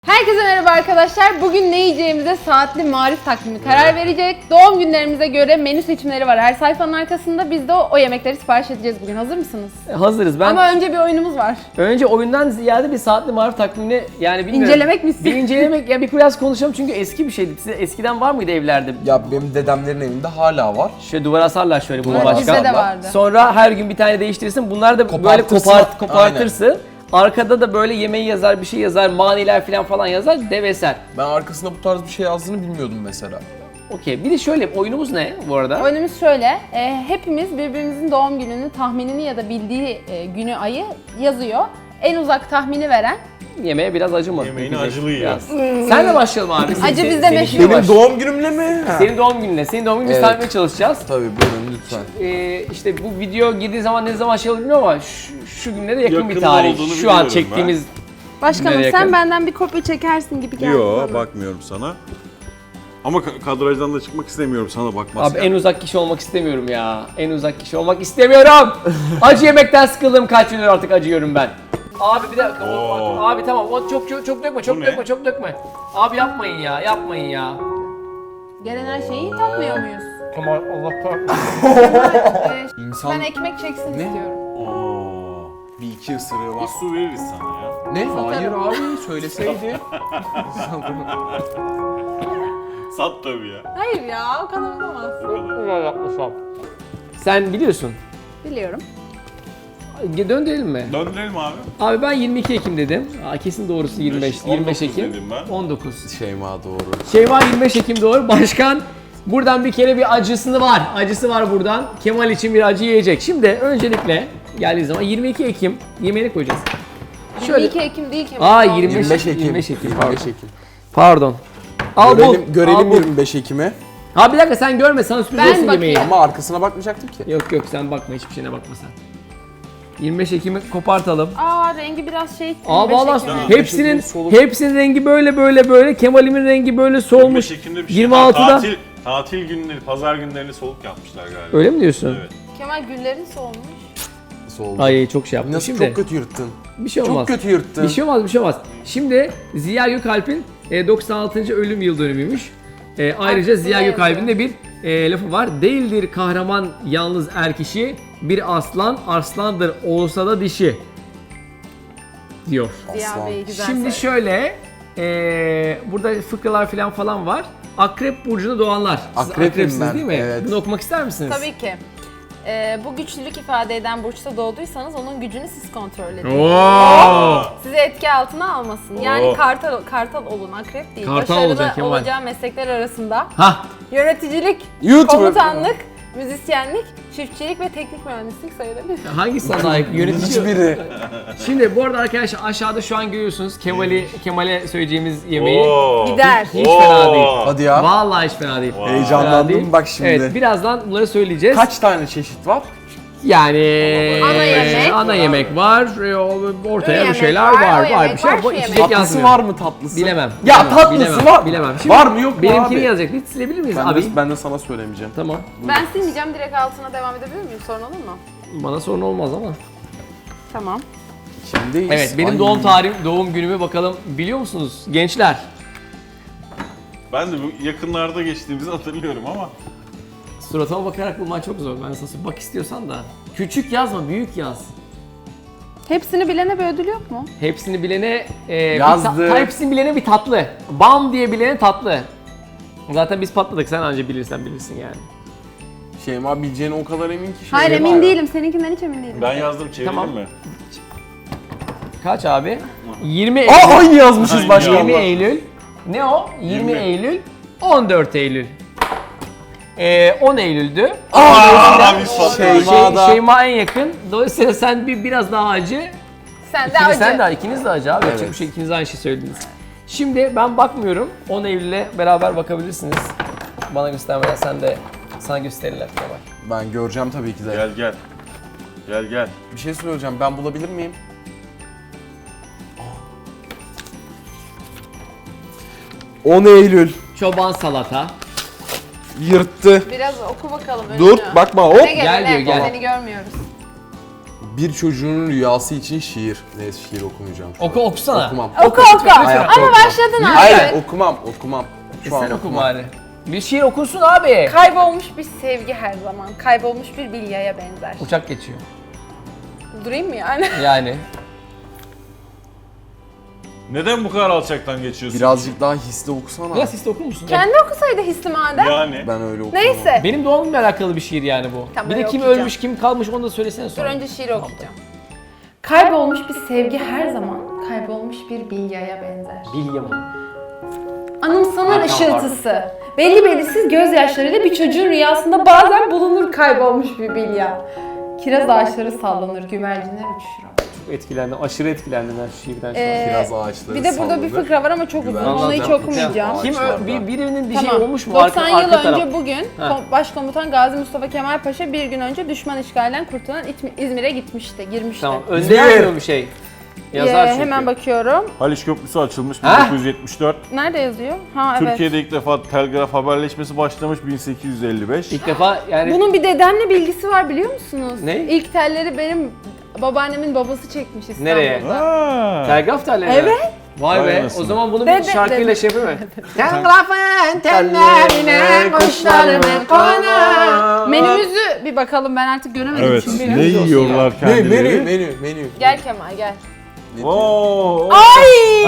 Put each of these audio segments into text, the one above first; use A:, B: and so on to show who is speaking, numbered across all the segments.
A: Herkese merhaba arkadaşlar. Bugün ne yiyeceğimize saatli marif takvimi karar verecek. Doğum günlerimize göre menü seçimleri var her sayfanın arkasında. Biz de o yemekleri sipariş edeceğiz bugün. Hazır mısınız?
B: Hazırız.
A: Ama önce bir oyunumuz var.
B: Önce oyundan ziyade bir saatli marif takvimini yani bilmiyorum.
A: İncelemek mi istiyorsun?
B: Bir incelemek ya bir biraz konuşalım çünkü eski bir şeydi. Size eskiden var mıydı evlerde?
C: Ya benim dedemlerin evinde hala var.
B: Şöyle duvara asarlar şöyle bunu
A: Evet,
B: başka.
A: bizde de vardı.
B: Sonra her gün bir tane değiştirirsin. Bunlar da böyle
C: Kopartırsın.
B: kopartırsın. Arkada da böyle yemeği yazar, bir şey yazar, maniler falan yazar, dev eser.
C: Ben arkasında bu tarz bir şey yazdığını bilmiyordum mesela.
B: Okey. Bir de şöyle oyunumuz ne bu arada?
A: Oyunumuz şöyle. Hepimiz birbirimizin doğum gününü, tahminini ya da bildiği günü, ayı yazıyor. En uzak tahmini veren.
B: Yemeğe biraz acı mı?
D: Yemeğini
B: dökecek?
D: acılı yiyor.
B: Biraz. Senle başlayalım abi.
A: Acı bizde
B: Senin
A: meşhur.
B: işine
C: Benim
B: baş-
C: doğum günümle mi?
B: Senin doğum gününe. Senin doğum gününü
C: Evet.
B: tahmin etmeye çalışacağız.
C: Tabii buyurun lütfen.
B: İşte bu video girdiği zaman ne zaman şey olur bilmiyorum ama şu günlere yakın bir
D: Yakın
B: tarih.
D: olduğunu
B: Şu an
D: biliyorum
B: çektiğimiz
A: Başkanım
B: Nereye
A: sen
B: yakın?
A: benden bir kopya çekersin gibi geldi
D: Yo
A: bana.
D: bakmıyorum sana. Ama kadrajdan da çıkmak istemiyorum sana bakmaz.
B: Abi en uzak kişi olmak istemiyorum ya. En uzak kişi olmak istemiyorum. Acı yemekten sıkıldım, kaç gündür artık acıyorum ben. Abi bir dakika.
D: Oo.
B: Abi tamam. O çok dökme, çok
D: Bu ne?
B: dökme, çok dökme. Abi yapmayın ya.
A: Gelen her şeyi tatmıyor muyuz?
B: Tamam Allah kahretsin.
C: İnsan
A: Ben ekmek çeksin
C: Ne?
A: istiyorum.
D: Oo.
C: bir iki ısırığı var.
D: Bir su veririz sana ya.
C: Ne? Hayır abi söyleseydi.
D: Sat tabii ya.
A: Hayır ya, o kadar olamaz.
B: Güzel yapmışım. Sen biliyorsun.
A: Biliyorum.
B: Döndürelim mi?
D: Döndürelim abi.
B: Abi ben 22 Ekim dedim. Kesin doğrusu 25
D: 19
B: Ekim.
D: dedim ben.
B: 19.
C: Şeyma doğru.
B: Şeyma 25 Ekim doğru. Başkan buradan bir kere bir acısı var. Acısı var buradan. Kemal için bir acı yiyecek. Şimdi öncelikle geldiği zaman 22 Ekim yemeğini koyacağız.
A: 22 Ekim değil ki.
B: Aa 25,
C: 25 Ekim.
B: 25 Ekim.
C: 25
B: Pardon.
C: Ekim.
B: Pardon. Al bul.
C: Görelim
B: al bul.
C: 25 Ekim'i.
B: Ha bir dakika sen görme, sana sürpriz
A: Ben
B: olsun
A: bakayım.
B: yemeği.
C: Ama arkasına bakmayacaktım ki.
B: Yok sen bakma, hiçbir şeyine bakma sen. 25 Ekim'i kopartalım.
A: Aa rengi biraz şey.
B: Aa
A: 25
B: valla
A: Ekim'e.
B: hepsinin rengi böyle. Kemal'imin rengi böyle solmuş.
D: 25 Ekim'de bir şey.
B: 26'da.
D: Tatil günleri, pazar günlerini soluk yapmışlar galiba.
B: Öyle mi diyorsun?
D: Evet.
A: Kemal güllerin solmuş.
C: Nasıl oldu?
B: Ay çok şey yaptım.
C: Nasıl
B: Şimdi
C: çok kötü yırttın.
B: bir şey olmaz.
C: Çok kötü yırttın.
B: Bir şey olmaz. Şimdi Ziya Gökalp'in 96. ölüm yıl dönümüymüş. Ayrıca
A: Aklımda
B: Ziya
A: yazıyor.
B: Gökalp'in de bir lafı var. Değildir kahraman yalnız kişi, bir aslan arslandır olsa da dişi diyor.
A: Ziya
C: Aslan.
A: Bey güzel
B: Şimdi
A: söyledi.
B: şöyle burada fıkralar falan var. Akrep burcunda doğanlar. Siz
C: Akrepim
B: akrepsiniz
C: ben,
B: değil mi?
C: evet.
B: Bunu okumak ister misiniz?
A: Tabii ki. Bu güçlülük ifade eden burçta doğduysanız onun gücünü siz kontrol edin.
B: Oo!
A: Sizi etki altına almasın. Yani
D: Oo.
A: kartal olun, akrep değil.
B: Kartal
A: Başarılı
B: olacak Kemal.
A: olacağı meslekler arasında
B: Hah!
A: yöneticilik,
C: YouTuber.
A: komutanlık, müzisyenlik, çiftçilik ve teknik mühendislik sayılabilir.
B: Hangisi sana layık? Yönetici.
C: Hiçbiri.
B: Şimdi bu arada arkadaşlar aşağıda şu an görüyorsunuz Kemal'e söyleyeceğimiz yemeği.
D: Oo.
A: Gider.
B: Hiç fena değil.
C: Hadi ya.
B: Vallahi hiç fena değil.
D: Wow.
C: Heyecanlandım
B: Fena değil.
C: bak şimdi.
B: Evet, birazdan bunları söyleyeceğiz.
C: Kaç tane çeşit var?
B: Yani
A: Ana yemek.
B: ana yemek var, ortaya
A: yemek
B: bir şeyler
A: var,
B: var,
A: o yemek
B: bir şey
A: var,
B: var.
A: şu
B: Bu
A: yemek
B: içecek
A: var.
C: Tatlısı
B: yazmıyor.
C: var mı tatlısı?
B: Bilemem.
C: Ya
B: bilemem,
C: tatlısı
B: bilemem,
C: var.
B: Bilemem.
C: Var mı yok mu
B: benimkini
C: abi?
B: yazacak. Bir silebilir miyiz
C: Ben
B: abi?
C: de sana söylemeyeceğim.
B: Tamam.
A: Ben silmeyeceğim, direkt altına devam edebilir miyim? Sorun olur mu?
B: Bana sorun olmaz ama.
A: Tamam.
C: Şimdiyiz.
B: Evet, benim
C: Ay.
B: doğum tarihim, doğum günümü bakalım biliyor musunuz gençler?
D: Ben de bu yakınlarda geçtiğimizi hatırlıyorum ama.
B: Suratıma bakarak bulman çok zor. Ben sana söyleyeyim. Bak istiyorsan da. Küçük yazma, büyük yaz.
A: Hepsini bilene bir ödül yok mu?
B: Hepsini bilene
C: Yazdı.
B: hepsini bilene bir tatlı. Bam diye bilene tatlı. Zaten biz patladık. Sen anca bilirsin yani.
C: Şeyma bileceğine o kadar emin ki.
A: Hayır
C: Şeyma
A: emin
C: ya.
A: değilim. Seninkinden hiç emin değilim.
D: Ben yazdım, çevirdin
B: Tamam.
D: mi?
B: Kaç abi? 20
C: Aa
B: Eylül.
C: aynı yazmışız
D: Aynı
B: 20
C: başkanla.
B: Eylül. Ne o? 20
D: 20.
B: Eylül. 14 Eylül. 10 Eylül'dü.
D: Aa, biz patladık.
C: Şeyma.
B: Şeyma en yakın. Dolayısıyla sen biraz daha acı.
A: Sen de acı.
B: Sen de ikiniz de acı abi.
C: Evet.
B: Yapacak bir şey, ikiniz de aynı şey söylediniz. Şimdi ben bakmıyorum. 10 Eylül'le beraber bakabilirsiniz. Bana göstermeden sana gösterirler Kemal.
C: Ben göreceğim tabii ki de.
D: Gel gel. Gel gel.
C: Bir şey söyleyeceğim. Ben bulabilir miyim? 10 Eylül.
B: Çoban salata.
C: Yırttı.
A: Biraz oku bakalım önünü.
C: Dur bakma hop.
A: Ne
B: Gel
A: ne?
B: diyor, gel.
A: Seni görmüyoruz.
C: Bir çocuğun rüyası için şiir. Neyse şiir okumayacağım.
B: Okusana.
C: Okumam.
A: Oku.
C: Hayatta
A: Ama
C: okumam.
A: başladın abi.
C: Hayır okumam. Şu an
B: Sen oku
C: okumam.
B: bari. Bir şiir okunsun abi.
A: Kaybolmuş bir sevgi her zaman. Kaybolmuş bir bilyaya benzer.
B: Uçak geçiyor.
A: Durayım mı yani?
B: Yani.
D: Neden bu kadar alçaktan geçiyorsun?
C: Birazcık daha hisli okusana.
B: Biraz siz de okur musun?
A: Kendi okusaydı hissi madem.
D: Yani.
C: Ben öyle okumam.
A: Neyse.
B: Benim doğumumla alakalı bir şiir yani bu.
A: Tamam,
B: bir de
A: öyle
B: kim
A: okuyacağım.
B: ölmüş, kim kalmış onu da söylesene
A: Dur
B: sonra.
A: önce şiiri okuyacağım. Kaybolmuş bir sevgi her zaman kaybolmuş bir bilyaya benzer.
B: Bilye mi?
A: Anımsanır ışıltısı. Belli belirsiz gözyaşlarıyla bir çocuğun rüyasında bazen bulunur kaybolmuş bir bilya. Kiraz ağaçları sallanır, güvercinler uçuşur.
B: Çok etkilendim, aşırı etkilendim ben şu şiirden şu an.
C: Kiraz ağaçları
A: Bir de burada bir
C: sallanır.
A: fıkra var ama çok uzun.
C: Güvercinler
A: Onu hiç
C: uçuşur.
A: okumayacağım.
B: Kim
C: Ağaçlarda.
B: birinin bir
A: Tamam.
B: şey olmuş mu?
A: 90 yıl
B: arka taraf?
A: önce bugün Başkomutan Gazi Mustafa Kemal Paşa bir gün önce düşman işgalinden kurtulan İzmir'e gitmişti, girmişti.
B: Tamam, önde yazmıyor bir şey. Yazar çünkü.
A: Hemen bakıyorum.
D: Haliç Köprüsü açılmış
B: Ha?
D: 1974.
A: Nerede yazıyor? Ha evet.
D: Türkiye'de ilk defa telgraf haberleşmesi başlamış 1855.
B: İlk defa yani
A: Bunun bir dedemle bilgisi var biliyor musunuz?
B: Ne?
A: İlk telleri benim babaannemin babası çekmiş İstanbul'da.
B: Nereye?
D: Ha.
B: telgraf telleri.
A: Evet.
B: Vay
D: Vay
B: be.
D: anasını.
B: O zaman bunu bir
A: Dede,
B: şarkıyla
A: dede.
B: şey yapayım mı? Telgrafın tellerine kuşlarımı konar.
A: Menümüzü bir bakalım, ben artık göremedim
D: Evet.
A: çünkü.
D: Ne yiyorlar kendileri?
C: Menü.
A: Gel Kemal gel.
D: Oo.
A: Ay!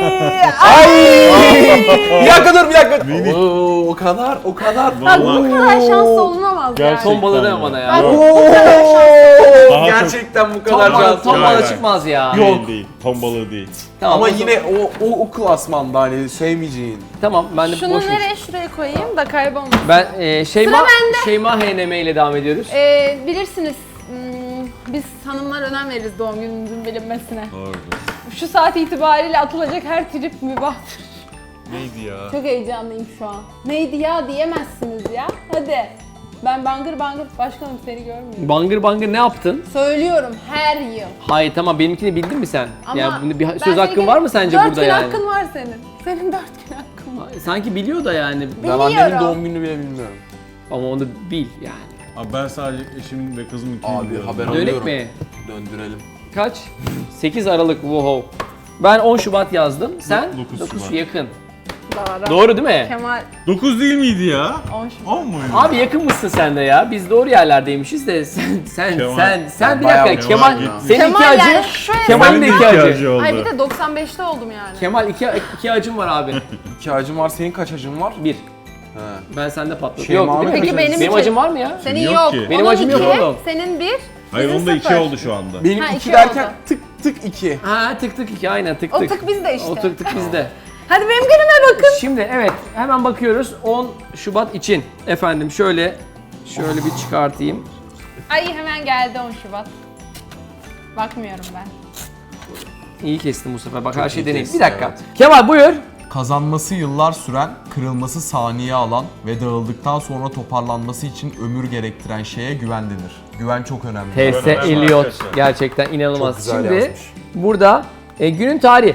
C: Bir dakika dur bir dakika. Oo, o kadar.
A: Bak bu
D: Vallahi-
A: kadar şanslı olunamaz
D: Gerçekten.
A: yani.
B: Ton balığı deme bana ya.
A: Ben
D: Yok.
A: bu kadar şanslı.
D: Daha
C: Gerçekten bu
B: Ton
C: kadar
B: balığı,
C: şanslı.
B: ton
D: Hayır,
B: balığı
D: hayır.
B: çıkmaz ya.
D: Değil değil. Ton balığı değil.
B: Tamam,
C: Ama
B: o zaman-
C: yine o klasmanda hani sevmeyeceğin.
B: Tamam ben de
A: Şunu
B: boş ver.
A: nereye şuraya koyayım da kaybolmasın.
B: Ben Şeyma
A: Sıra bende.
B: Şeyma HNM ile devam ediyoruz.
A: Bilirsiniz biz hanımlar önem veririz doğum günümüzün bilinmesine.
D: Doğru.
A: Şu saat itibariyle atılacak her trip mübahtır.
D: Neydi ya?
A: Çok heyecanlıyım şu an. Neydi ya diyemezsiniz ya. Hadi. Ben bangır bangır başkanım seni görmüyorum.
B: Bangır bangır ne yaptın?
A: Söylüyorum her yıl.
B: Hayır tamam benimkini bildin mi sen?
A: Ama
B: yani bunda bir
A: ben
B: söz hakkın
A: seni-
B: var mı sence
A: 4
B: burada
A: gün
B: yani?
A: hakkın var senin. Senin 4 gün hakkın var.
B: Sanki biliyor da yani.
C: Ben annemin
A: Biliyorum.
C: doğum gününü bile bilmiyorum.
B: Ama onu bil yani.
D: Abi ben sadece eşimin ve kızımın ikini
C: Abi
D: biliyorum.
C: haber
B: Dönük
C: alıyorum.
B: mi?
C: Döndürelim.
B: Kaç? 8 Aralık wow. Ben 10 Şubat yazdım. Sen?
D: 9 Şubat.
B: yakın.
A: Doğru.
B: Doğru değil mi?
A: Kemal
D: 9 değil miydi ya?
A: 10 Şubat.
D: 10 muydu?
B: Abi yakın mısın sen de ya? Biz doğru yerlerdeymişiz de sen
D: Kemal.
B: bir
C: Bayağı
B: dakika
D: Kemal
B: Kemal
D: gitti.
B: senin iki
A: Kemal yani
B: acı.
A: şöyle.
B: Kemal'in de
D: Benim
B: iki
D: iki
B: acı.
D: oldu.
A: Ay bir de 95'te oldum yani.
B: Kemal iki acım var abi.
C: 2 acım var. Senin kaç acın var?
B: 1.
C: He.
B: Ben sende patladım.
C: Şeyma
B: Yok değil mi?
C: abi
A: Peki benim
B: benim
A: için-
B: acım var mı ya?
A: Senin
D: Yok
A: yok.
D: ki.
B: Benim
A: Onun
B: acım yok
A: 2,
B: oğlum.
A: senin 1.
D: Hayır onun da 2 oldu şu anda.
C: Benim
A: Ha,
C: 2
A: iki
C: derken
A: oldu.
C: tık 2.
B: Ha tık tık 2 aynen tık
A: O
B: tık.
A: tık bizde işte.
B: O tık tık bizde.
A: Hadi benim günüme bakın.
B: Şimdi evet hemen bakıyoruz 10 Şubat için. Efendim şöyle bir çıkartayım.
A: Ay hemen geldi 10 Şubat. Bakmıyorum ben.
B: İyi kestim bu sefer. Bak her
C: Çok
B: şey
C: iyi
B: deneyim.
C: kestin,
B: Bir dakika.
C: evet.
B: Kemal buyur.
C: Kazanması yıllar süren, kırılması saniye alan ve dağıldıktan sonra toparlanması için ömür gerektiren şeye güven denir. Güven çok önemli.
B: T.S.
D: Önemli
B: Eliot
D: arkadaşlar.
B: gerçekten inanılmaz.
C: Çok güzel
B: Şimdi
C: yazmış.
B: burada günün tarihi.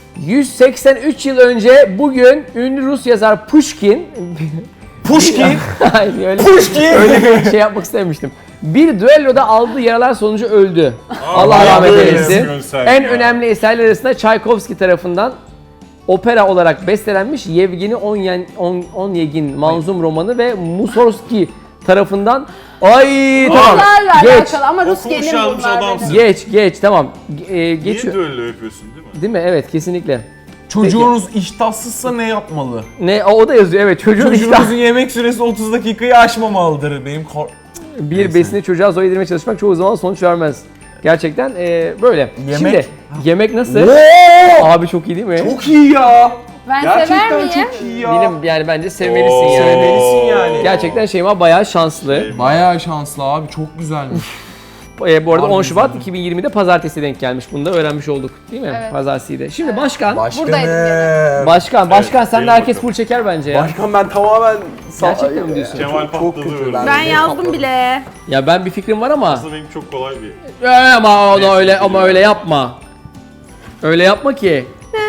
B: 183 yıl önce bugün ünlü Rus yazar Pushkin Hayır, öyle bir şey yapmak istemiştim. Bir düelloda aldığı yaralar sonucu öldü. Allah rahmet
D: böyle
B: eylesin.
D: yazıyorsun sen
B: En
D: ya.
B: önemli eserler arasında Çaykovski tarafından opera olarak bestelenmiş Yevgeni Onyegin manzum romanı ve Mussorgsky tarafından tamam
A: Bunlarla
B: geç
A: alakalı ama Rus
D: Okumuş
A: gelin
D: almış
A: bunlar
D: adamsın.
A: benim.
B: geç tamam
D: Niye
B: geçiyor.
D: düello yapıyorsun değil mi?
B: Değil mi? Evet kesinlikle.
C: Çocuğunuz iştahsızsa ne yapmalı?
B: Ne o da yazıyor evet çocuğun işte
C: Çocuğunuzun yemek süresi 30 dakikayı aşmamalıdır.
B: bir
C: Neyse.
B: besini çocuğa zor yedirmeye çalışmak çoğu zaman sonuç vermez. Gerçekten böyle.
C: Yemek-
B: Şimdi yemek nasıl? Abi çok iyi değil mi?
C: Çok iyi ya.
A: Ben sever
C: Gerçekten
A: miyim?
C: çok iyi ya.
B: Benim yani bence sevmelisin
D: Oo.
B: yani.
C: Sevmelisin yani.
B: Gerçekten Şeyma bayağı şanslı.
C: Bayağı şanslı abi, çok güzelmiş.
B: Bu arada
C: Harbi
B: 10 Şubat
C: güzel.
B: 2020'de pazartesi denk gelmiş. Bunu da öğrenmiş olduk değil mi?
A: Evet.
B: Pazartesi'ydi. Şimdi başkan.
A: Buradaydım
B: Başkan sen
D: gelin
B: de herkes
D: bakalım.
B: full çeker bence ya.
C: Başkan ben tamamen...
B: Gerçekten mi diyorsun?
D: Kemal
C: Çok
D: patladı
C: kötü.
D: öyle.
A: Ben
C: benim
A: yazdım
C: patladı.
A: bile.
B: Ya ben bir fikrim var ama
D: Aslında benim çok kolay bir.
B: ama onu
D: Neyse,
B: öyle ama
D: biliyorum.
B: öyle yapma. Öyle yapma ki.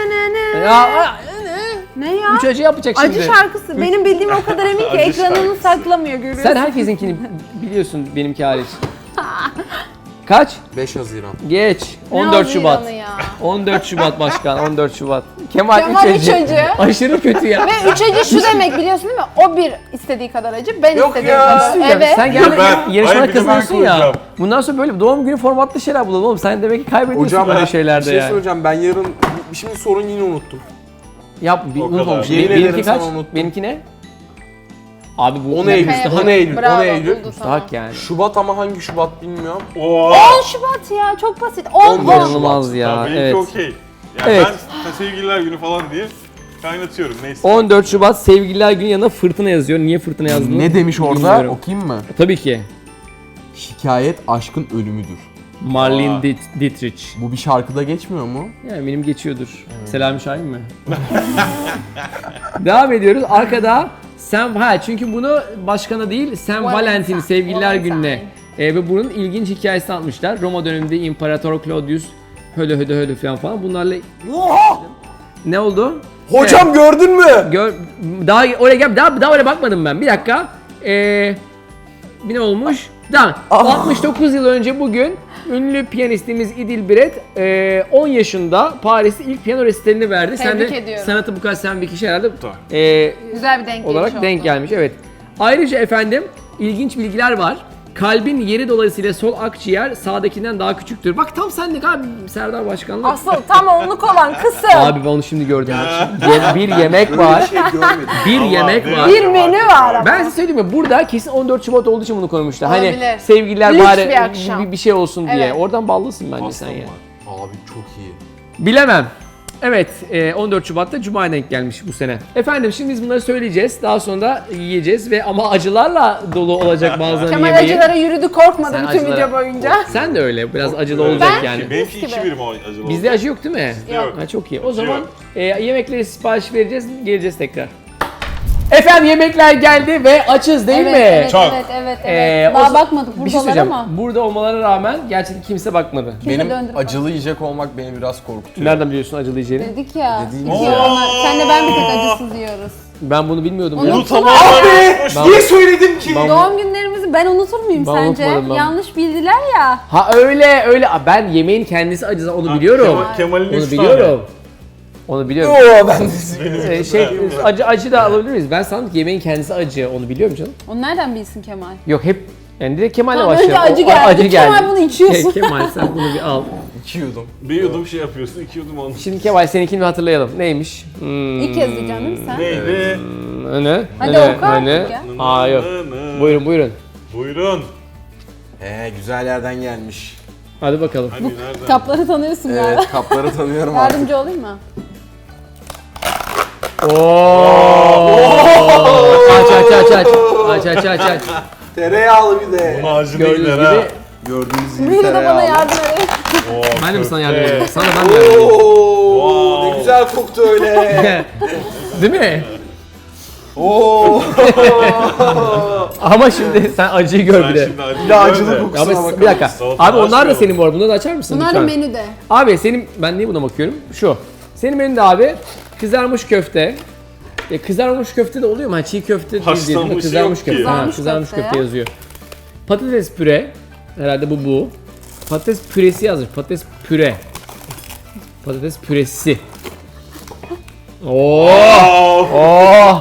B: Ya
A: Ne ya?
B: 3 acı yapacak şimdi.
A: Acı şarkısı. Benim bildiğim o kadar emin ki
D: Acı
A: ekranını
D: şarkısı.
A: saklamıyor görüyorsun.
B: Sen herkesinkini biliyorsun benimki hariç. Kaç?
C: 5 Haziran.
B: Geç.
A: Ne
B: 14 Şubat.
A: Haziran'ı ya?
B: 14 Şubat başkan. 14 Şubat. Kemal
A: Kemal
B: üç
A: üç acı.
B: Aşırı kötü ya.
A: Ve 3 acı şu demek biliyorsun değil mi? O bir istediği kadar acı, ben
C: Yok
A: istediğim
C: ya.
A: kadar. Evet.
B: Sen gel
D: Ben-
B: yarışmaya
D: Hayır, bir de ben
B: kazanıyorsun ya.
D: koyacağım.
B: Bundan sonra böyle doğum günü formatlı şeyler bulalım oğlum. Sen demek ki kaybediyorsun
C: Hocam
B: böyle
C: ben
B: şeylerde
C: bir şey
B: yani.
C: söyleyeceğim. Ben yarın şimdi sorun yine unuttum.
B: Yap,
D: O
B: unutmamış.
D: kadar.
C: Yemin
B: Benimki
C: ederim
B: kaç?
C: sana unuttum.
B: Benimki ne? Abi bu
C: 10 Eylül.
B: müstahak.
C: 10 Eylül.
A: Bravo,
C: 10 Eylül.
A: buldu,
B: Müstahak yani.
C: Şubat ama hangi Şubat bilmiyorum.
D: Oo.
A: 10 Şubat ya, çok basit. 10
B: İnanılmaz ya.
D: Tamam, benimki
B: Evet.
D: okey. Yani
B: Evet.
D: ben sevgililer günü falan diye kaynatıyorum neyse.
B: 14 Şubat Sevgililer Günü yanına fırtına yazıyor. Niye fırtına yazdığını
C: Ne demiş orada?
B: bilmiyorum.
C: Okuyayım mı?
B: Tabii ki.
C: Şikayet aşkın ölümüdür.
B: Marlene
D: Aa.
B: Dietrich.
C: Bu bir şarkıda geçmiyor mu?
B: Yani benim geçiyordur. Selami Şahin mi? Devam ediyoruz. Arkada çünkü bunu başkana değil Sam Valentin Sevgililer Günü'ne ve bunun ilginç hikayesini anlatmışlar. Roma döneminde İmparator Claudius hödö falan bunlarla
C: Oha!
B: ne oldu?
C: Hocam gördün mü?
B: Daha oraya gel daha oraya bakmadım ben. Bir dakika. Bir ne olmuş? Tamam. 69 yıl önce bugün ünlü piyanistimiz Idil 10 yaşında Paris'te ilk piyano resitalini verdi. Sen
A: Tebrik
B: de
A: ediyorum.
B: sanatı bu kadar seven bir kişi herhalde
D: Tamam.
A: Güzel bir denk
B: olarak
A: geliş
B: denk
A: oldu.
B: gelmiş. Evet. Ayrıca efendim ilginç bilgiler var. Kalbin yeri dolayısıyla sol akciğer sağdakinden daha küçüktür. Bak tam senlik abi Serdar Başkan'la.
A: Asıl tam onluk olan kısım.
B: Abi ben onu şimdi gördüm. Bir yemek var.
C: şey görmedim.
B: Bir
D: Allah
B: yemek
D: be.
B: var.
A: Bir menü var ama.
B: Ben size söyleyeyim mi? Burada kesin 14 Şubat olduğu için bunu koymuşlar. Hani
A: Olabilir.
B: sevgililer
A: Lüks
B: bari
A: bir akşam.
B: bir şey olsun diye.
A: Evet.
B: Oradan ballısın bence
C: Pastam
B: sen ya.
C: var. Abi çok iyi.
B: Bilemem. Evet, 14 Şubat'ta Cuma'ya denk gelmiş bu sene. Efendim şimdi biz bunları söyleyeceğiz. Daha sonra da yiyeceğiz ve ama acılarla dolu olacak bazılarını
A: Kemal
B: yemeği.
A: acılara yürüdü, korkmadı
B: Sen
A: bütün
B: acılara-
A: video boyunca.
B: Sen de öyle. Biraz acılı olacak
A: Ben-
B: yani.
D: Benimki
A: Mis
D: 2
A: gibi.
D: birim o acılı
B: Bizde
D: oldu.
B: acı yok değil mi?
D: Yok.
B: Ha, çok iyi. O
D: Acı
B: zaman
D: yok.
B: yemekleri sipariş vereceğiz, geleceğiz tekrar. Efendim yemekler geldi ve açız değil
A: evet,
B: mi?
A: Evet,
D: Çok.
A: evet.
B: o-
A: Daha bakmadık
B: Bir şey
A: buradalar
B: söyleyeceğim.
A: ama.
B: Burada olmalarına rağmen gerçekten kimse bakmadı.
C: Benim
A: döndürüp
C: acılı yiyecek olmak beni biraz korkutuyor.
B: Nereden biliyorsun acılı yiyeceğini?
A: Dedik ya.
C: Dediğim
A: iki
C: gibi.
A: yorumlar. Senle ben bir tek acısız yiyoruz.
B: Ben bunu bilmiyordum ya.
A: Onu-
D: Bunu tamamen unutmuş.
C: Niye söyledim ki?
B: Ben-
A: Doğum günlerimizi ben unutur muyum
B: Ben
A: sence?
B: unutmadım ben.
A: Yanlış bildiler ya.
B: Ha öyle. Ben yemeğin kendisi acısı onu biliyorum.
D: Kemal'in
B: Onu
D: 3
B: biliyorum. Onu biliyorum.
C: Oo ben
B: Acı da alabilir miyiz? Ben sandım ki yemeğin kendisi acı. Onu biliyorum canım.
A: Onu nereden bilsin Kemal?
B: Yok hep yani direkt Kemal'le
A: Tamam,
B: başlayalım.
A: önce acı
B: O-
A: geldi. Kemal bunu içiyorsun.
B: Kemal sen bunu bir al.
C: içiyordum.
D: Bir yudum şey yapıyorsun, 2 yudum onu.
B: Şimdi Kemal seninkini bir hatırlayalım. Neymiş?
A: İlk kez diyeceksin değil mi sen?
D: Neydi?
B: Ne?
A: Hadi oku artık ya.
B: Aa yok. Buyurun.
D: Buyurun.
C: Güzel yerden gelmiş.
B: Hadi bakalım.
D: Hadi nereden?
A: Kapları tanıyorsun galiba.
C: Evet kapları tanıyorum artık.
A: Yardımcı olayım mı?
B: Aç.
C: Tereyağlı bir de.
D: Buna acı
B: Gördüğünüz
D: değiller
B: gibi.
D: ha.
C: Gördüğünüz gibi
A: Biri de bana
C: tereyağlı.
A: yardım edin.
D: Oo,
B: Ben de mi sana
D: köfte.
B: yardım edeyim? Sana ben de yardım edeyim.
C: Oo,
D: Wow.
C: ne güzel koktu öyle.
B: Değil mi?
C: Oo.
B: Ama şimdi sen acıyı gör
D: Sen
B: bir de.
D: şimdi acı
C: Bir de acılı
D: gör de.
C: kokusuna
B: Abi
C: bakalım.
B: bir dakika.
D: Salata
B: Abi onlar da
D: açmayalım.
B: senin bu arada. Bunları da açar mısın
A: Bunlar da
B: lütfen?
A: menüde.
B: Abi senin ben niye buna bakıyorum? Şu. Senin menüde abi kızarmış köfte. Kızarmış köfte de oluyor mu? Ha, çiğ köfte değil değil mi?
D: Haşlanmış
B: Kızarmış
D: yok
B: köfte.
D: ki.
B: Ha,
A: Kızarmış
B: kızarmış
A: köfte
B: köfte
A: ya.
B: yazıyor. Patates püre. Herhalde bu. Patates püresi yazmış. Patates püre. Patates püresi. Oo!
D: Wow.
B: Oo!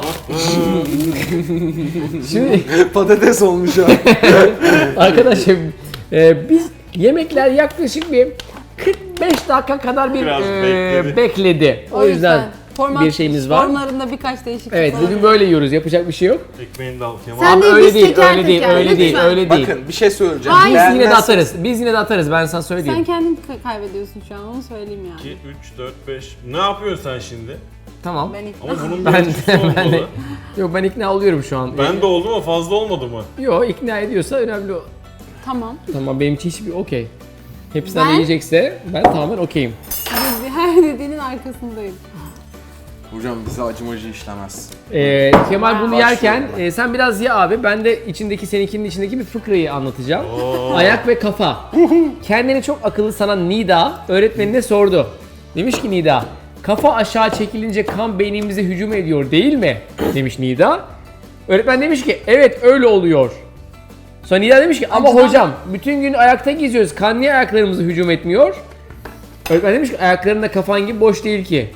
B: Şimdi
C: Patates olmuş ha.
B: arkadaşlar biz yemekler yaklaşık bir 45 dakika kadar bir
D: Biraz bekledi.
B: bekledi. O yüzden bir şeyimiz var.
A: Formlarında birkaç değişiklik
B: Evet
A: var.
B: bugün böyle yiyoruz. Yapacak bir şey yok.
D: Ekmeğini de al Kemal.
A: Sen de
B: öyle
A: biz
B: değil,
A: teker
B: öyle değil,
A: teker,
B: öyle değil,
A: lütfen.
B: öyle değil.
C: Bakın bir şey söyleyeceğim.
A: Hayır.
B: Biz yine de
C: Beğenmezseniz-
B: atarız. Biz yine de atarız. Ben sana söyleyeyim.
A: Sen kendin kaybediyorsun şu an, onu söyleyeyim yani.
D: 2, 3, 4, 5. Ne yapıyorsun sen şimdi?
B: Tamam.
A: Ben ilk
D: Ama bunun
B: Ben
D: bir ölçüsü
B: ben de
D: olmalı.
B: yok ben ikna oluyorum şu an.
D: Ben de oldu mu? Fazla olmadı mı?
B: Yok ikna ediyorsa önemli o.
A: Tamam.
B: Tamam benim için hiçbir okey. Hepsinden de
A: Ben-
B: yiyecekse ben tamamen okeyim.
A: Her dediğinin arkasındayım.
C: Hocam bize acımacı işlemez.
B: Kemal bunu
C: Başlıyorum
B: yerken sen biraz ye abi. Ben de içindeki seninkinin içindeki bir fıkrayı anlatacağım. Ayak ve kafa. Kendini çok akıllı sanan Nida öğretmenine sordu. Demiş ki Nida, kafa aşağı çekilince kan beynimize hücum ediyor değil mi? Demiş Nida. Öğretmen demiş ki evet öyle oluyor. Sonra Nida demiş ki ama
A: Acıdan-
B: hocam bütün gün ayakta geziyoruz. Kan niye ayaklarımıza hücum etmiyor? Öğretmen demiş ki ayaklarında kafan gibi boş değil ki.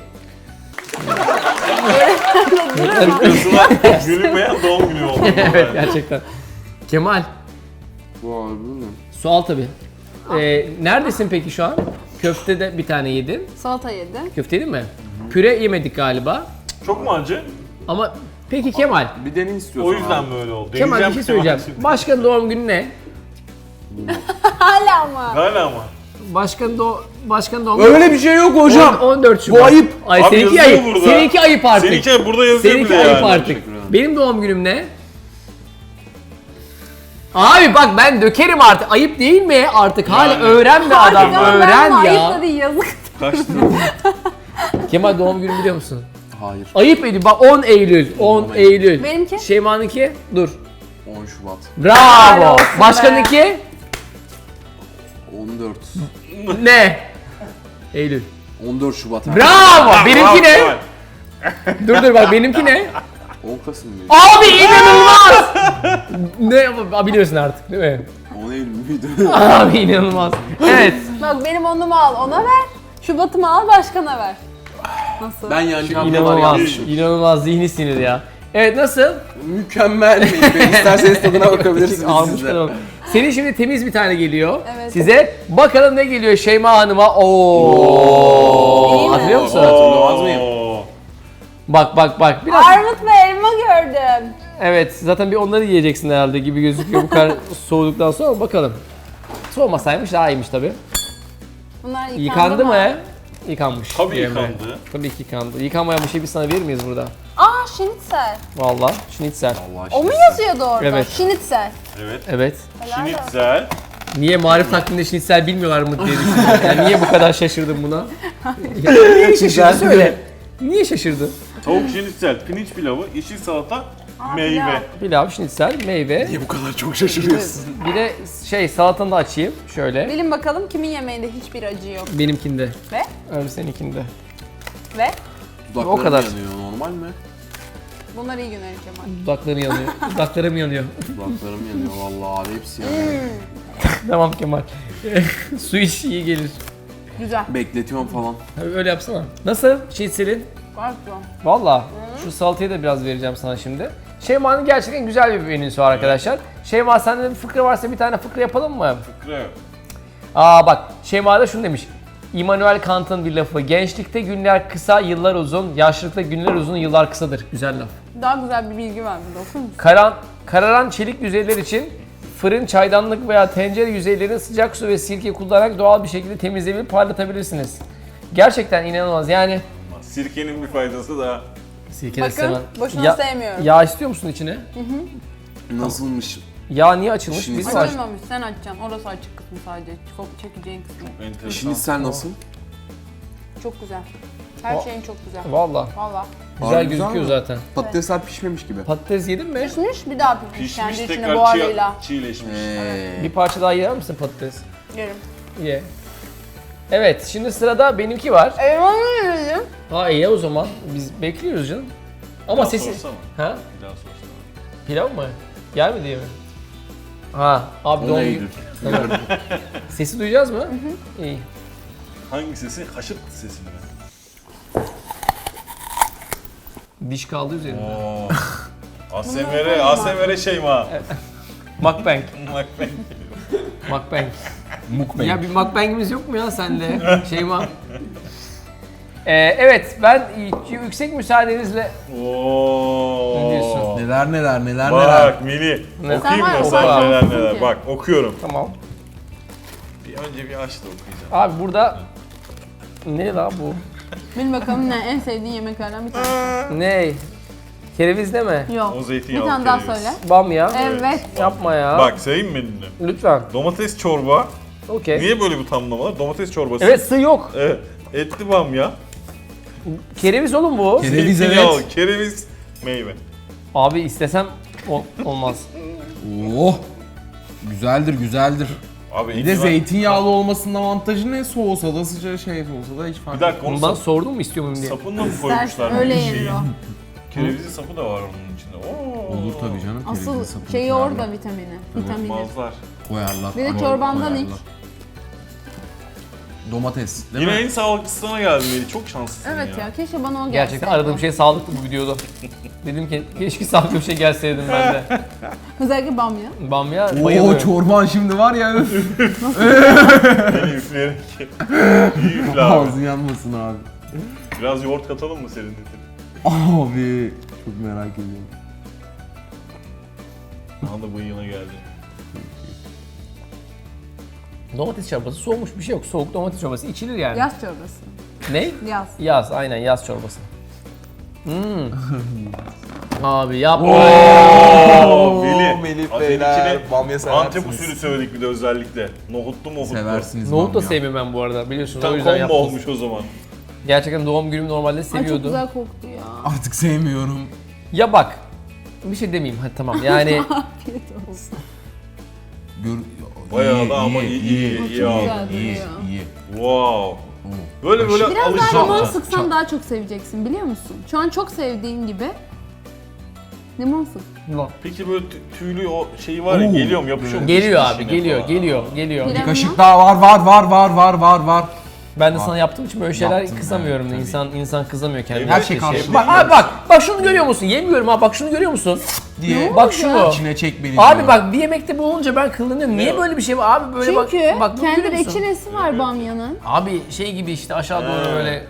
D: Kızına gülünmeyen doğum günü oldu.
B: Evet gerçekten. Kemal.
E: Vay bu ne?
B: Sual tabii. Neredesin peki şu an? Köfte de bir tane yedin.
A: Salata yedi.
B: Köfte yedin mi? Püre yemedik galiba.
D: Çok mu acı?
B: Ama peki Kemal.
E: Bir deney istiyorsan
D: O yüzden
E: abi.
D: böyle oldu.
B: Kemal bir şey
D: Deneyeceğim
B: söyleyeceğim.
D: şimdi.
B: Başkanın doğum günü ne?
A: Hala mı?
D: Hala ama.
B: Başkanın doğum günü
E: Öyle bir şey yok hocam.
B: 14 Şubat.
E: Bu ayıp.
B: Ay
D: Abi
B: seninki
D: yazıyor
B: ayıp.
D: burada.
B: Seninki ayıp artık.
D: Seninki burada yazıyor
B: Seninki
D: bile
B: ayıp
D: yani.
B: artık.
E: Teşekkür ederim.
B: Benim doğum günüm ne? Abi bak ben dökerim artık. Ayıp değil mi artık? Hala
D: Yani.
B: öğren be adam.
A: Harbiden
B: Öğren
A: ben de
B: ya.
A: Ayıp da değil yazık.
D: Kaçtı?
B: Kemal doğum günü biliyor musun?
E: Hayır.
B: Ayıp ediyor. Bak 10 Eylül. 10 Eylül.
A: Benimki?
B: Şeyma'nınki? Dur.
E: 10 Şubat.
B: Bravo.
A: olsun
B: Başkanınki?
E: 14.
B: Ne? Eylül.
E: 14 Şubat. abi.
B: Bravo. Benimki ne?
D: Kemal.
B: Dur bak benimki ne?
E: 10 Kasım mıydı?
B: Abi inanılmaz. Ne biliyorsun artık değil mi?
E: 10 Eylül müydü?
B: Abi inanılmaz. Evet.
A: Bak benim onumu al ona ver. Şubat'ımı al başkana ver. Nasıl?
E: Ben yanacağım kadar
B: İnanılmaz.
E: yanlışım.
B: İnanılmaz zihni sinir ya. Evet nasıl?
E: Mükemmel meyve. İsterseniz tadına bakabilirsiniz
B: Almış
E: siz de.
B: kadar. Senin şimdi temiz bir tane geliyor.
A: Evet.
B: Size bakalım ne geliyor Şeyma Hanım'a.
A: İyi
B: Oo.
A: mi?
B: Hatırlıyor musun?
E: Hatırlamaz mıyım?
D: Oo.
B: Bak. Biraz
A: Armut ve elma gördüm.
B: evet zaten bir onları yiyeceksin herhalde gibi gözüküyor bu kadar soğuduktan sonra bakalım. Soğumasaymış daha iyiymiş tabii.
A: Bunlar
B: Yıkandı mı? Yıkanmış.
D: Tabii
B: Diyelim ben.
D: yıkandı.
B: Tabii ki yıkandı. Yıkanmayan bir şey biz sana verir miyiz burada?
A: Aa şinitzel.
B: Vallahi schnitzel.
E: Allah
A: O mu
E: aşkına.
A: yazıyordu orada?
B: Evet.
A: Şinitzel.
D: Evet.
B: Evet.
A: Helal olsun.
D: Schnitzel.
B: Niye marif takviminde schnitzel bilmiyorlar mı diye düşündüm. Yani niye bu kadar şaşırdın buna? Niye şaşırdın söyle. Niye şaşırdın?
D: Tavuk schnitzel, pirinç pilavı, yeşil salata, meyve.
A: pilav.
B: Pilav, schnitzel, meyve.
E: Niye bu kadar çok şaşırıyorsun?
B: Bir de salatanı da açayım şöyle.
A: Bilin bakalım kimin yemeğinde hiçbir acı yok.
B: Benimkinde.
A: Ve?
B: Öyle seninkinde.
A: Ve?
E: Dudaklarım
B: O kadar.
E: yanıyor, normal mi?
A: Bunlar iyi günler Kemal.
B: Dudakların yanıyor. Dudaklarım yanıyor.
E: Dudaklarım yanıyor vallahi abi hepsi yanıyor.
B: Tamam Kemal. Su iç iyi gelir.
A: Güzel.
E: Bekletiyorum falan.
B: Öyle yapsana. Nasıl schnitzelin?
A: Gayet güzel.
B: Valla şu salatayı da biraz vereceğim sana şimdi. Şeyma'nın gerçekten güzel bir menüsü var arkadaşlar. Şeyma sende bir fıkra varsa bir tane fıkra yapalım mı?
D: Fıkra yok.
B: Bak Şeyma da şunu demiş. Immanuel Kant'ın bir lafı. Gençlikte günler kısa, yıllar uzun. Yaşlılıkta günler uzun, yıllar kısadır. Güzel laf.
A: Daha güzel bir bilgi var burada okur musun?
B: Kararan çelik yüzeyler için fırın, çaydanlık veya tencere yüzeylerini sıcak su ve sirke kullanarak doğal bir şekilde temizleyebilir, parlatabilirsiniz. Gerçekten inanılmaz yani.
D: Sirkenin bir faydası daha.
B: Sirke
A: Bakın, boşuna
B: Ya-
A: sevmiyorum.
B: Yağ istiyor musun içine?
E: Nasılmış?
B: Yağ niye açılmış?
E: Şimdi
B: Biz mi
E: Saç-
B: açtık?
A: Açılmamış, sen açacaksın. Orası açık kısmı sadece. Çok çekeceğin kısmı.
D: Enteresan.
E: Şinitsel nasıl?
A: Çok güzel. Her şeyin çok güzel.
B: Valla.
A: Valla.
B: Güzel
E: Harbi
B: gözüküyor
E: güzel mi?
B: zaten.
E: Patatesler pişmemiş gibi.
B: Patates yedin mi?
A: Pişmiş bir daha pişmiş.
D: Pişmiş
A: Kendi içine
D: tekrar
A: buharıyla.
D: çiğleşmiş.
B: Bir parça daha yer misin patates?
A: Yerim.
B: Ye. Evet, şimdi sırada benimki var.
A: Elma mı yedim?
B: Ha iyi o zaman. Biz bekliyoruz canım. Ama
D: Daha
B: sesi...
D: sorsana.
B: Ha?
D: Bir daha sorsana.
B: Pilav mı? Yer mi diye mi? Ha, abi
E: O
B: doğum
E: neydi?
B: günü. Tamam. Sesi duyacağız mı? İyi.
D: Hangi sesi? Haşırt sesi mi?
B: Diş kaldı üzerinde.
D: Oo. ASMR Şeyma.
B: Mukbang.
D: Mukbang.
B: Mukbang.
E: Mukbang.
B: Ya bir mukbangimiz yok mu ya sende? Şeyma. Evet, ben yüksek müsaadenizle...
D: Oo.
B: Ne diyorsun?
E: Neler.
D: Bak Mili.
B: Ne?
D: Okuyayım
A: Sen
D: mı
A: var
D: sen
B: ya,
D: neler
A: oku.
D: neler. Bak okuyorum.
B: Tamam.
D: Bir önce bir aç da okuyacağım.
B: Abi burada... Ne la bu?
A: Bil bakalım ne en sevdiğin yemeklerden bir tanesi.
B: Ne? Kereviz deme.
A: Yok.
D: O
A: Bir
D: zeytinyağlı
A: tane daha
D: kereviz.
A: söyle.
B: Bamya.
A: Evet.
B: Yapma ya.
D: Bak sayayım mı menünü?
B: Lütfen.
D: Domates çorba.
B: Okey.
D: Niye böyle bir tamlama var? Domates çorbası.
B: Evet, sığ yok.
D: Evet. Etli bamya.
B: Kereviz oğlum bu.
E: Kereviz
D: zeytinyağlı,
E: evet.
D: Kereviz. Meyve.
B: Abi istesem olmaz.
E: Oh. Güzeldir.
D: Abi
E: Bir de zeytinyağlı olmasının avantajı ne? Soğusa da sıcağı şey olsa da hiç fark
D: Bir dakika onu
B: Ondan sordun mu istiyor muyum diye.
D: sapınla mı koymuşlar?
A: İstersen öyle
D: bir
A: yenir
D: şeyi?
A: o.
D: Kerevizli sapı da var onun içinde. Oo.
E: Olur tabii canım. kerevizin
A: Asıl
E: sapını
A: şeyi
E: koyarlar.
A: orada vitamini.
D: Mazlar.
E: Koyarlar.
A: Bir de çorbandan iç.
E: Domates değil
D: Yine
E: mi?
D: en sağlıklısına geldin Melih. Çok şanslısın
A: Evet ya keşke bana o gelseydi.
B: Gerçekten aradığım şey sağlıklı bu videoda. Dedim ki keşke sağlıklı bir şey gelseydim ben de.
A: Özellikle bamya.
B: Bamya
E: Oo
B: bayılıyorum.
E: çorban şimdi var ya. öf.
D: Beni üfleyerek. İyi üfle abi.
E: Ağzın yanmasın abi.
D: Biraz yoğurt katalım mı senin dedin?
E: Abi çok merak ediyorum.
D: Daha da bıyığına geldi.
B: Domates çorbası soğumuş bir şey yok. Soğuk domates çorbası içilir yani.
A: Yaz çorbası.
B: Ne?
A: Yaz.
B: Yaz, aynen yaz çorbası. Abi yapma.
D: Oo,
C: Melih
D: Az
C: beyler,
D: öncekine
C: bamya seversiniz.
D: Antep usulü söyledik bir de özellikle. Nohutlu mohutlu.
E: Seversiniz
B: Nohut da
E: bamya.
B: sevmiyorum ben bu arada biliyorsun o
D: Tam
B: yüzden
D: combo
B: yaptım.
D: olmuş o zaman.
B: Gerçekten doğum günüm normalde
A: Ay çok
B: seviyordum.
A: güzel koktu ya.
E: Artık sevmiyorum.
B: Ya bak, bir şey demeyeyim hadi tamam yani
A: Afiyet olsun.
E: Gör...
D: Bayağı da ama iyi
A: Çok
D: abi.
A: güzel
E: iyi,
A: duruyor.
E: iyi.
D: Wow. Böyle
A: Biraz daha
D: alışacağım.
A: limon sıksan daha çok seveceksin biliyor musun? Şu an çok sevdiğin gibi. Limon sık.
D: Peki böyle tüylü o şeyi var ya
E: Oo.
D: geliyor mu yapışıyor mu?
B: geliyor
D: dişine
B: abi
D: falan?
B: geliyor.
A: Bir
E: Bir kaşık daha var.
B: Ben de sana yaptığım için böyle şeyler
E: Yaptın
B: kızamıyorum da
E: tabii.
B: insan kızamıyor kendine.
D: Her
E: şey karşılıklı.
B: Bak şunu görüyor musun? Yemiyorum ha bak şunu görüyor musun?
E: diye.
B: Bak şunu.
E: İçine çek beni
B: Abi
E: diyor.
B: bak bir yemekte bu olunca ben kıllanıyorum. Niye
D: Ne?
B: böyle bir şey var? Abi böyle
A: Çünkü
B: bak bunu
A: kendi
B: görüyor musun?
A: reçinesi var bamyanın.
B: Abi şey gibi işte aşağı doğru
D: He.
B: böyle.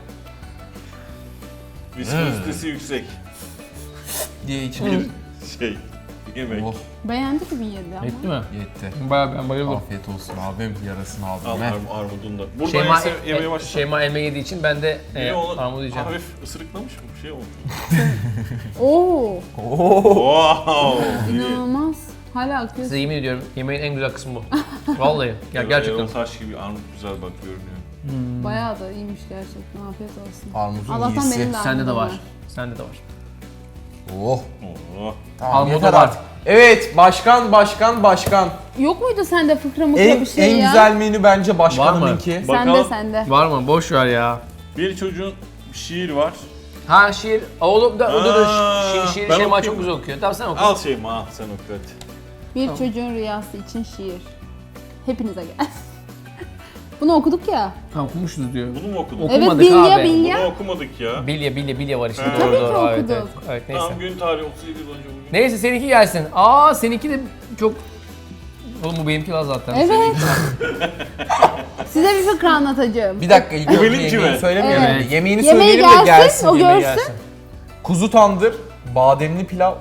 D: Viskozitesi yüksek
E: diye içine.
D: bir şey. Yemek.
E: Oh
A: Beğendi gibi yedi ama.
B: Yetti mi?
E: yetti.
B: Bayağı ben bayıldım.
E: Afiyet olsun abim. Yarasını
D: Al
E: aldım.
D: armudunu da. Buradan
B: Şeyma,
D: yemeye başla.
B: Şeyma elma yediği için ben de
D: Niye oğlum?
B: armut yiyeceğim.
D: Hafif ısırıklamış mı? Bir şey olmuş.
A: Oo,
D: Wow.
A: inanılmaz. Hala akıyor.
B: Size yemin ediyorum yemeğin en güzel kısmı bu. Vallahi ya gerçekten.
D: Erol Taş gibi armut güzel bak görünüyor.
A: Bayağı da iyiymiş gerçekten. Afiyet olsun.
E: Armudun
A: Allah'tan
E: iyisi.
A: benim de
B: Sende de
A: armudum
B: var. Sende de var.
E: Oh.
D: Oo.
E: Tamam
B: Armudu
E: yeter
B: var.
E: artık. Evet başkan.
A: Yok muydu sende fıkra mıkra
E: En,
A: bir şey
E: en
A: ya?
E: güzel menü bence başkanımınki.
D: Bak-
A: Sende
D: Bakalım.
A: sende.
B: Var mı? Boş ver ya.
D: Bir çocuğun şiir var.
B: Ha şiir. Oğlum da o da şiir
D: ben
B: Şeyma
D: okuyayım
B: çok
D: mı?
B: güzel okuyor. Tamam sen oku.
D: Al Şeyma al sen oku hadi.
A: Bir çocuğun rüyası için şiir. Hepinize gel. Bunu okuduk ya.
B: Ha okumuşuz diyor.
D: Bunu mu okudun?
B: Oku-
A: Evet
B: Okumadık
A: bilye
B: abi.
A: bilye.
D: Bunu okumadık ya.
B: Bilye var işte.
D: Ha.
B: Doğru
A: Tabii ki
B: doğru. Evet,
A: okuduk.
B: evet. Evet neyse.
D: Tamam gün tarihi 37 yıl önce bugün.
B: Neyse seninki gelsin. Aa seninki de çok... Oğlum bu benimki var zaten.
A: Evet. Size bir fıkra anlatacağım.
E: Bir dakika ilk
D: Bu
E: önce
D: benimki
E: yemeği
D: mi?
E: söylemeyelim.
B: Evet.
E: Yemeğini
A: Yemeği
E: söyleyelim de
A: gelsin,
E: gelsin.
A: o
B: Yemeği
A: görsün.
B: gelsin.
E: Kuzu tandır, bademli pilav.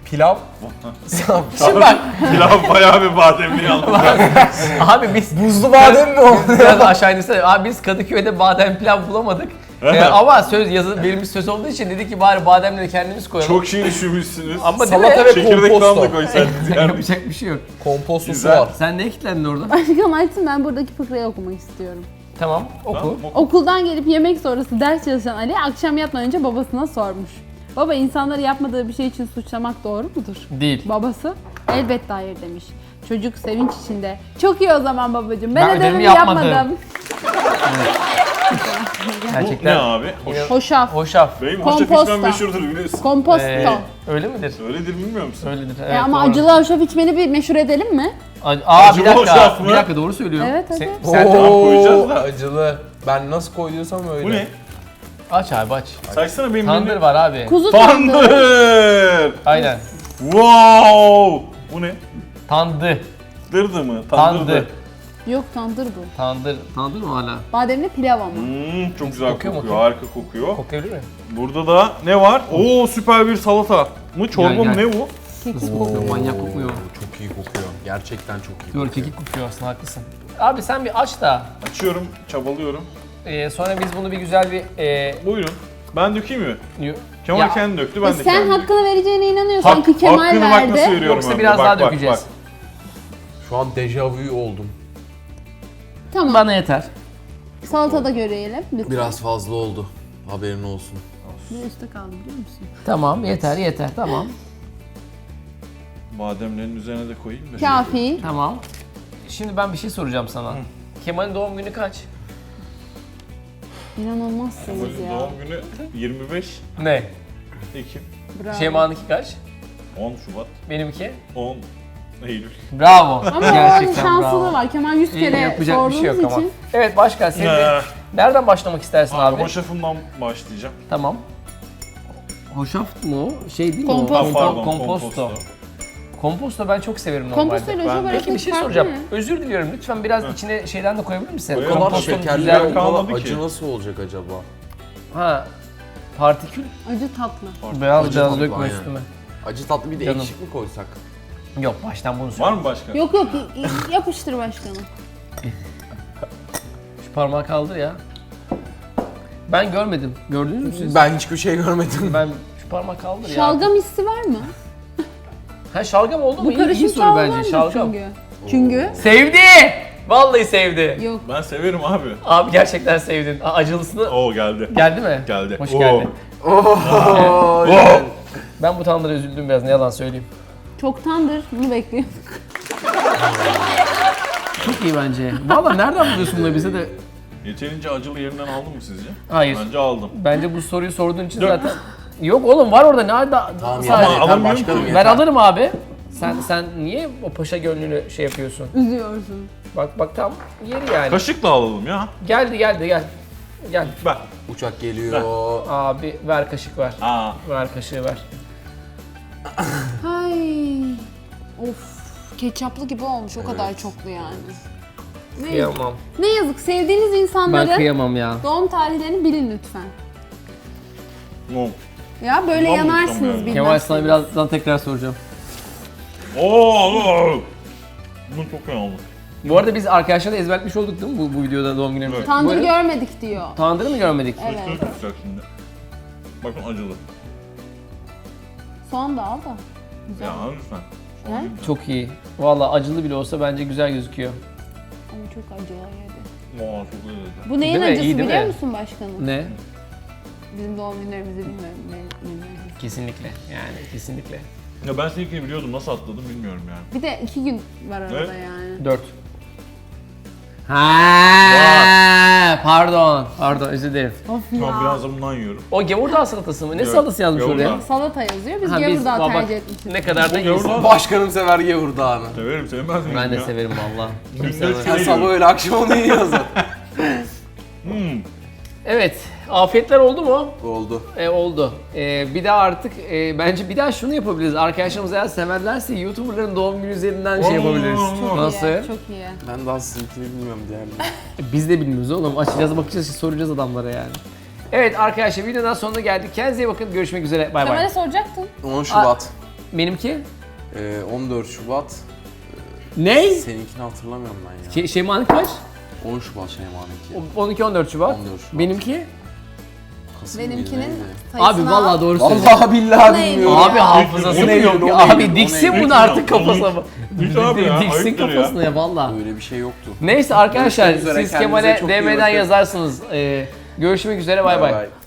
B: Şimdi bak
D: Pilav bayağı bir bademli yalnız.
B: abi biz
E: Buzlu badem mi o?
B: biraz aşağı indirsene. Abi biz Kadıköy'de badem pilav bulamadık. Ama söz yazılı verilmiş söz olduğu için dedik ki bari bademleri kendimiz koyalım.
D: Çok şey düşünmüşsünüz.
B: Ama değil
E: Salata
B: mi?
E: ve
D: Çekirdek falan da
E: komposto.
D: koysaydınız yani.
B: Yapacak bir şey yok.
E: Kompostosu
D: Güzel.
E: var.
B: Sen ne kilitlendin orada?
A: Aşkım açsın ben buradaki fıkrayı okumak istiyorum.
B: Tamam oku.
D: Tamam,
A: Okuldan gelip yemek sonrası ders çalışan Ali akşam yatmadan önce babasına sormuş. Baba insanları yapmadığı bir şey için suçlamak doğru mudur?
B: Değil.
A: Babası elbette hayır demiş. Çocuk sevinç içinde. Çok iyi o zaman babacığım. Ben
B: Ben ödevimi
A: ödevimi
B: yapmadım."
A: yapmadım.
D: Bu ne
B: Gerçekten.
D: abi?
A: Hoşaf.
B: Hoşaf.
D: Benim hoşaf
A: Komposto.
D: içmem meşhurdur biliyorsun.
A: Komposto.
B: Öyle midir?
D: Öyledir bilmiyor musun?
B: Öyledir. Evet,
A: Ama
B: doğru.
A: acılı hoşaf içmeni bir meşhur edelim mi?
B: Aa
D: Acılı
B: bir dakika.
D: hoşaf mı?
B: Bir dakika doğru söylüyor.
A: Evet,
B: Sen,
A: evet.
B: sen de
D: koyacağız da.
E: Acılı. Ben nasıl koyduysam öyle.
D: Bu ne?
B: aç abi aç.
D: Saçsana benim
B: Tandır
D: menü.
B: var abi.
A: Kuzu tandır.
D: Tandır!
B: Aynen.
D: Wow! Bu ne?
B: Tandı.
D: Dırdı mı?
B: Tandı.
A: Yok tandır bu.
B: Tandır. Tandır mı hala?
A: Bademli pilav ama.
D: Çok güzel
B: Kokuyor
D: kokuyor,
B: mu?
D: harika kokuyor.
B: Koklayabilir mi?
D: Burada da ne var? Oo süper bir salata mı? Çorba mı?
B: Gel, gel.
D: Ne bu?
B: Nasıl kokuyor? Manyak kokuyor.
E: Çok iyi kokuyor. Gerçekten çok iyi
B: Diyor kekik kokuyor aslında haklısın. Abi sen bir aç da
D: Açıyorum, çabalıyorum.
B: sonra biz bunu bir güzel bir
D: Buyurun. Ben dökeyim mi?
B: y-
D: Kemal
B: Ya,
D: kendi döktü, ben de
A: Sen
D: kendim.
A: hakkını vereceğine inanıyorsan ki Kemal
D: hakkını bak nasıl
A: verdi.
D: veriyorum
B: Yoksa
D: hem de.
B: biraz
D: Bak,
B: daha
D: bak,
B: dökeceğiz.
D: bak.
E: Şu an dejavu oldum.
A: Tamam.
B: Bana yeter.
A: Salata da görelim lütfen.
E: Biraz fazla oldu. Haberin olsun.
A: Bir üstte kaldı biliyor musun?
B: Tamam yeter tamam.
D: Bademlerin üzerine de koyayım da.
A: Kafi.
B: Tamam. Şimdi ben bir şey soracağım sana. Kemal'in doğum günü kaç?
A: İnanılmazsınız
D: Kemal'in
A: ya.
D: doğum günü 25.
B: Ne?
D: Ekim.
A: Bravo.
B: Şeyma'nınki kaç?
D: 10 Şubat.
B: Benimki?
D: 10 Eylül.
B: Bravo.
A: Ama onun şansı da var. Kemal 100 kere
B: Yapacak bir şey yok
A: sorduğumuz
B: ama.
A: için.
B: Evet başkan sen de nereden başlamak istersin abi?
D: Hoşafımdan başlayacağım.
B: Tamam. Hoşaft mı o? Şey değil mi
A: Komposto.
B: o?
D: Pardon,
B: Komposto. Komposto ben çok severim normalde.
A: Komposto ile hoşaf
D: Ben-
A: arasındaki
B: Peki bir şey
A: fark
B: soracağım.
A: ne?
B: Özür diliyorum. Lütfen biraz içine şeyden de koyabilir misin?
D: Koyarım.
E: Bu kadar
B: Kompostonun
E: şekerli
B: güzel
E: ve
B: bir...
D: kalmadı
E: kola
D: ki.
E: acı nasıl olacak acaba?
B: Ha. Partikül
A: Acı tatlı.
B: beyaz
E: Acı
B: beyaz
E: tatlı,
B: dökme
E: aynen.
B: üstüme.
E: Acı tatlı bir de
B: Canım.
E: ekşik mi koysak?
B: Yok baştan bunu söyle.
D: Var mı başka?
A: Yok yok yapıştır başkanım.
B: Şu parmağı kaldır ya. Ben görmedim. Gördünüz mü siz?
E: Ben hiçbir şey görmedim.
B: Ben şu parmağı kaldır ya.
A: Şalgam hissi var mı?
B: Ha şalgam oldu mu?
A: Bu
B: İyi
A: karışım
B: soru bence.
A: şalgamdır
B: Şalgam.
A: çünkü. Çünkü
B: Sevdi! Vallahi sevdi.
A: yok.
D: Ben severim abi.
B: Abi gerçekten sevdin. Acılısını
D: Oo geldi.
B: geldi mi?
D: Geldi.
B: Hoş
D: Oo.
B: geldin.
E: Oo.
B: Ben bu tanrılara üzüldüm biraz ne yalan söyleyeyim.
A: Çoktandır bunu bekliyorum.
B: Çok iyi bence. Vallahi nereden buluyorsun bunları bize de?
D: Yeterince acılı yerinden aldın mı sizce?
B: Hayır.
D: Bence aldım.
B: Bence bu soruyu sorduğun için
D: Dök.
B: zaten... Yok oğlum var orada ne da
E: Tamam
B: sadece-
E: yeter, yeter
D: alamıyorum
E: başkanım
D: ki.
E: yeter.
B: Ben alırım abi. Sen niye o paşa gönlünü şey yapıyorsun?
A: Üzüyorsun.
B: Bak tam yeri yani.
D: Kaşıkla alalım ya.
B: Gel. Gel.
D: Ver.
E: Uçak geliyor.
B: Abi ver kaşık ver.
D: Aa.
B: Ver kaşığı ver.
A: Ay. Of. Ketçaplı gibi olmuş o kadar çoklu yani. Ne,
B: Kıyamam.
A: ne yazık sevdiğiniz
B: Ben
A: insanların
B: kıyamam ya.
A: doğum tarihlerini bilin lütfen.
D: Oo.
A: Ya böyle
D: Ulan
A: yanarsınız
D: mutlu
A: bilmezsiniz.
B: Kemal sana birazdan tekrar soracağım.
D: Oo. Bunu çok iyi oldu.
B: Bu arada biz arkadaşlarla ezberletmiş olduk değil mi bu videoda doğum günümüzü?
D: Evet.
A: Tandır
B: Buyurun.
A: görmedik diyor.
B: Tandırı mı görmedik?
A: Evet.
D: Üstüne tutacak şimdi. Bakın acılı.
A: Soğan da al da. Güzel.
D: Ya lütfen.
A: He?
B: Çok iyi. Vallahi acılı bile olsa bence güzel gözüküyor.
A: Ama çok acı var yedi.
D: Oo çok iyi.
A: Bu neyin
B: Değil mi?
A: acısı
B: İyi değil
A: biliyor
B: mi?
A: musun başkanım?
B: Ne?
A: Bizim doğum günlerimizi bilmiyorum. Ne acısı.
B: Kesinlikle. Yani kesinlikle.
D: Ya ben seninkini biliyordum. Nasıl atladım bilmiyorum yani.
A: Bir de 2 gün var arada
D: Evet.
A: yani.
B: 4. Ha, pardon özür dilerim.
A: Of
D: Tamam
A: ya.
D: biraz da bundan yiyorum.
B: O gavurdağ salatası mı? Ne
D: Evet,
B: salatası yazmış
D: gavurdağ.
B: oraya?
A: Salata yazıyor. Biz
B: Ha,
A: gavurdağ
B: bak,
A: tercih etmişiz.
B: ne kadar da
D: Bu
B: iyisin.
D: gavurdağ-
E: Başkanım sever gavurdağını.
D: Severim sevmez miyim
B: Ben de
D: ya?
B: severim valla. Kim
D: Günde
B: sevmez?
D: üç
E: Sen
D: kere
E: sabah
D: yiyorum.
E: öyle akşam onu yiyor zaten.
B: Evet, afiyetler oldu mu?
E: Oldu.
B: Oldu. Bir daha artık bence bir daha şunu yapabiliriz. Arkadaşlarımız eğer severlerse YouTuber'ların doğum günü üzerinden şey yapabiliriz.
A: Çok
B: Nasıl?
A: iyi. Çok iyi.
E: Ben daha sizinkini bilmiyorum diğerleri.
B: Biz de bilmiyoruz oğlum. Açacağız, bakacağız, soracağız adamlara yani. Evet arkadaşlar videodan sonuna geldik. Kendinize iyi bakın. Görüşmek üzere. Bay
A: Kemal'e
B: bay.
A: soracaktın.
E: 10 Şubat.
B: Benimki?
E: 14 Şubat.
B: Ne?
E: Seninkini hatırlamıyorum ben ya.
B: Şeyma'nın kaç?
E: 10 Şubat Şeyma'nınki.
B: 12-14 Şubat.
E: 14 Şubat.
B: Benimki?
E: Kasım mıydı,
A: Benimkinin
E: neydi?
A: sayısını
B: Abi vallahi
A: al.
B: doğru söylüyorsun.
E: Vallahi billahi
A: Neydi?
E: bilmiyorum.
B: Abi hafızası
E: O
B: mı
E: neydi,
B: yok
E: o
B: ya?
E: neydi,
B: Abi
E: o
B: diksin
E: neydi?
B: bunu artık kafasına.
D: Hiç abi ya,
B: Diksin
D: ayıptır ya.
B: kafasına ya valla.
E: Öyle bir şey yoktu.
B: Neyse arkadaşlar
E: Görüşmek üzere,
B: siz
E: kendinize
B: Kemal'e
E: çok iyi
B: DM'den
E: bakın.
B: yazarsınız. Görüşmek üzere bay bay.